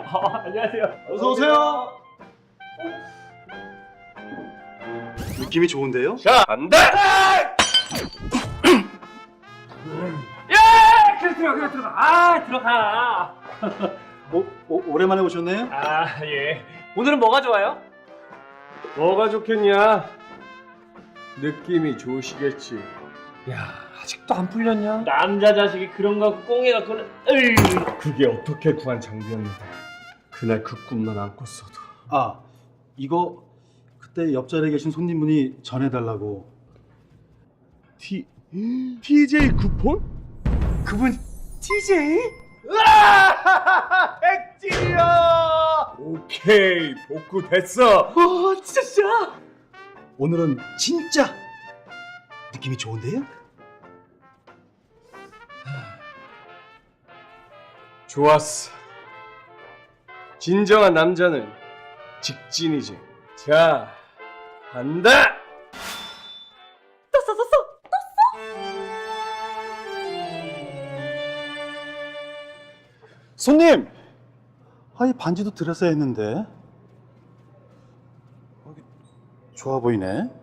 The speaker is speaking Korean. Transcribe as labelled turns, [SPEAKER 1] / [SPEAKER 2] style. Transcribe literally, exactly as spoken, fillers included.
[SPEAKER 1] 어, 안녕하세요.
[SPEAKER 2] 어서 오세요. 느낌이 좋은데요?
[SPEAKER 1] 자, 간다! 야! 그래, 들어가, 그래, 들어가. 아, 들어가.
[SPEAKER 2] 오, 오, 오랜만에 오셨네요?
[SPEAKER 1] 아, 예. 오늘은 뭐가 좋아요?
[SPEAKER 3] 뭐가 좋겠냐? 느낌이 좋으시겠지.
[SPEAKER 1] 야, 아직도 안 풀렸냐? 남자 자식이 그런 거 갖고 꽁해 갖고는, 으이.
[SPEAKER 3] 그게 어떻게 구한 장비였는데 그날 그 꿈만 안 꿨어도.
[SPEAKER 2] 아, 이거 그때 옆자리에 계신 손님분이 전해달라고.
[SPEAKER 3] T 티제이 쿠폰? 그분 티제이?
[SPEAKER 1] 으아! 백지야!
[SPEAKER 3] 오케이, 복구 됐어.
[SPEAKER 1] 어, 진짜, 진짜.
[SPEAKER 2] 오늘은 진짜 느낌이 좋은데요?
[SPEAKER 3] 좋았어. 진정한 남자는 직진이지. 자, 간다.
[SPEAKER 2] 손님! 아, 이 반지도 드렸어야 했는데. 어, 좋아 보이네.